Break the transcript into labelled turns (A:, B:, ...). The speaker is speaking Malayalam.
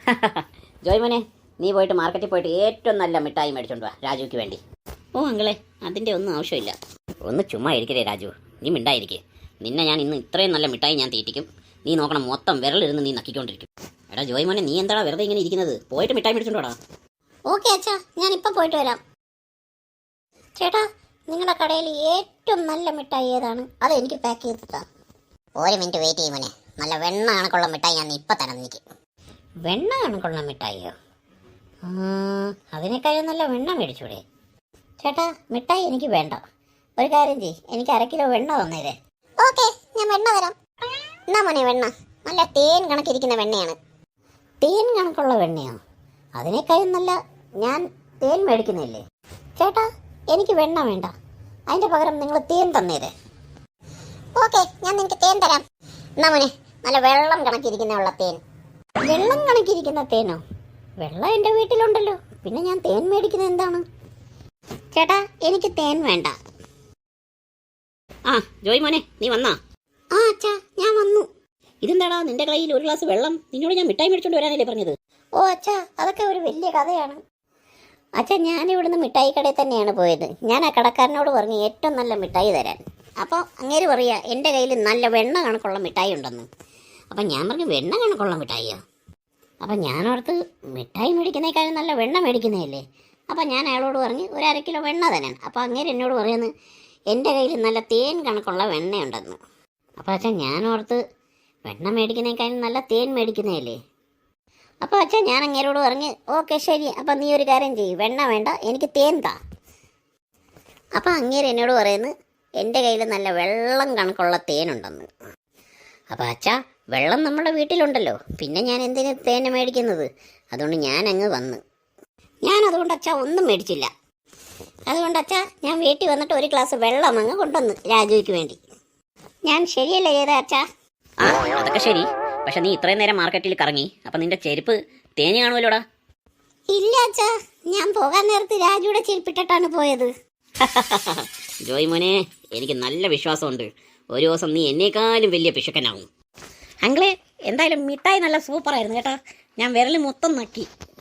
A: ജോയ് മോനെ, നീ പോയിട്ട് മാർക്കറ്റിൽ പോയിട്ട് ഏറ്റവും നല്ല മിഠായി മേടിച്ചോണ്ട് വാ രാജുവിക്ക് വേണ്ടി. ഓ അങ്കിളെ, അതിൻ്റെ ഒന്നും ആവശ്യമില്ല. ഒന്ന് ചുമ്മാ ഇരിക്കലേ രാജു, നീ മിണ്ടായിരിക്കേ. നിന്നെ ഞാൻ ഇന്ന് ഇത്രയും നല്ല മിഠായി ഞാൻ തീറ്റിക്കും. നീ നോക്കണം, മൊത്തം വിരലിരുന്ന് നീ നക്കിക്കൊണ്ടിരിക്കും. എടാ ജോയ് മോനെ, നീ എന്താടാ വെറുതെ ഇങ്ങനെ ഇരിക്കുന്നത്? പോയിട്ട് മിഠായി മേടിച്ചോണ്ടോടാ.
B: ഓക്കെ അച്ഛാ, ഞാൻ ഇപ്പം പോയിട്ട് വരാം. ചേട്ടാ, നിങ്ങളുടെ കടയിൽ ഏറ്റവും നല്ല മിഠായി ഏതാണ്? അത് എനിക്ക് പാക്ക് ചെയ്തിട്ടാ.
C: ഒരു മിനിറ്റ് വെയിറ്റ് ചെയ്യും മോനെ. നല്ല വെണ്ണ കണക്കുള്ള മിഠായി ഞാൻ ഇപ്പം തരാം എനിക്ക്.
B: വെണ്ണ കണക്കുള്ള മിഠായിയോ? അതിനേക്കാളും നല്ല വെണ്ണ മേടിച്ചൂടെ? ചേട്ടാ, മിഠായി എനിക്ക് വേണ്ട. ഒരു കാര്യം ചെയ്യ്, എനിക്ക് 1 കിലോ വെണ്ണ തന്നേരെ.
C: ഓക്കെ, ഞാൻ വെണ്ണ തരാം. എന്നാ മോനെ വെണ്ണ. നല്ല തേൻ കണക്കിരിക്കുന്ന വെണ്ണയാണ്.
B: തേൻ കണക്കുള്ള വെണ്ണയോ? അതിനേക്കാളും നല്ല ഞാൻ തേൻ മേടിക്കുന്നില്ലേ. ചേട്ടാ, എനിക്ക് വെണ്ണ വേണ്ട. അതിൻ്റെ പകരം നിങ്ങൾ തേൻ തന്നേരെ.
C: ഓക്കെ, ഞാൻ നിനക്ക് തേൻ തരാം. എന്നാ മോനെ, നല്ല വെള്ളം കണക്കിരിക്കുന്ന തേൻ.
B: വെള്ളം കണക്കിരിക്കുന്ന തേനോ? വെള്ളം എൻ്റെ വീട്ടിലുണ്ടല്ലോ, പിന്നെ ഞാൻ തേൻ മേടിക്കുന്നത് എന്താണ്? ചേട്ടാ, എനിക്ക് തേൻ വേണ്ട.
A: ആ ജോയ് മോനെ, നീ വന്നാ?
B: ആ അച്ഛാ, ഞാൻ വന്നു.
A: ഇതെന്താടാ നിന്റെ കയ്യിൽ 1 ഗ്ലാസ് വെള്ളം? നിന്നോട് ഞാൻ മിഠായി മേടിച്ചോണ്ട് വരാനല്ലേ പറഞ്ഞത്?
B: ഓ അച്ഛാ, അതൊക്കെ ഒരു വലിയ കഥയാണ്. അച്ഛാ, ഞാനിവിടുന്ന് മിഠായി കടയിൽ തന്നെയാണ് പോയത്. ഞാൻ ആ കടക്കാരനോട് പറഞ്ഞു ഏറ്റവും നല്ല മിഠായി തരാൻ. അപ്പോൾ അങ്ങേര് പറയുക എൻ്റെ കയ്യിൽ നല്ല വെണ്ണ കണക്കുള്ള മിഠായി ഉണ്ടെന്ന്. അപ്പം ഞാൻ പറഞ്ഞു വെണ്ണ കണക്കുള്ള മിഠായിയോ? അപ്പം ഞാനോർത്ത് മിഠായി മേടിക്കുന്നേക്കാളും നല്ല വെണ്ണ മേടിക്കുന്നതല്ലേ. അപ്പം ഞാൻ അയാളോട് പറഞ്ഞ് ഒരു 1/2 കിലോ വെണ്ണ തരാൻ. അപ്പോൾ അങ്ങേര് എന്നോട് പറയുന്നത് എൻ്റെ കയ്യിൽ നല്ല തേൻ കണക്കുള്ള വെണ്ണയുണ്ടെന്ന്. അപ്പോൾ അച്ഛൻ ഞാനോർത്ത് വെണ്ണ മേടിക്കുന്നേക്കാളും നല്ല തേൻ മേടിക്കുന്നതല്ലേ. അപ്പോൾ അച്ഛൻ ഞാൻ അങ്ങേരോട് പറഞ്ഞ് ഓക്കെ ശരി, അപ്പം നീ ഒരു കാര്യം ചെയ്യ്, വെണ്ണ വേണ്ട, എനിക്ക് തേൻ താ. അപ്പം അങ്ങേര് എന്നോട് പറയുന്നത് എൻ്റെ കയ്യിൽ നല്ല വെള്ളം കണക്കുള്ള തേനുണ്ടെന്ന്. അപ്പോൾ അച്ഛാ, വെള്ളം നമ്മുടെ വീട്ടിലുണ്ടല്ലോ, പിന്നെ ഞാൻ എന്തിനു തേന് മേടിക്കുന്നത്? അതുകൊണ്ട് ഞാൻ അങ്ങ് വന്ന്. ഞാനതുകൊണ്ട് അച്ഛാ ഒന്നും മേടിച്ചില്ല. അതുകൊണ്ട് അച്ഛാ, ഞാൻ വീട്ടിൽ വന്നിട്ട് 1 ഗ്ലാസ് വെള്ളം അങ്ങ് കൊണ്ടുവന്ന് രാജുവിക്ക് വേണ്ടി. ഞാൻ ശരിയല്ലേ ചെയ്ത അച്ഛാ?
A: ആ അതൊക്കെ ശരി. പക്ഷെ നീ ഇത്രയും നേരം മാർക്കറ്റിൽ കറങ്ങി, അപ്പം നിന്റെ ചെരുപ്പ് തേഞ്ഞ് കാണുമല്ലോടാ.
B: ഇല്ല അച്ഛാ, ഞാൻ പോകാൻ നേരത്ത് രാജുവിടെ ചെരുപ്പിട്ടിട്ടാണ് പോയത്.
A: ജോയ് മോനെ, എനിക്ക് നല്ല വിശ്വാസമുണ്ട്, ഒരു ദിവസം നീ എന്നേക്കാളും വലിയ പിശുക്കനാവും.
B: അങ്കിളെ, എന്തായാലും മിഠായി നല്ല സൂപ്പറായിരുന്നു കേട്ടോ. ഞാൻ വിരൽ മൊത്തം നക്കി.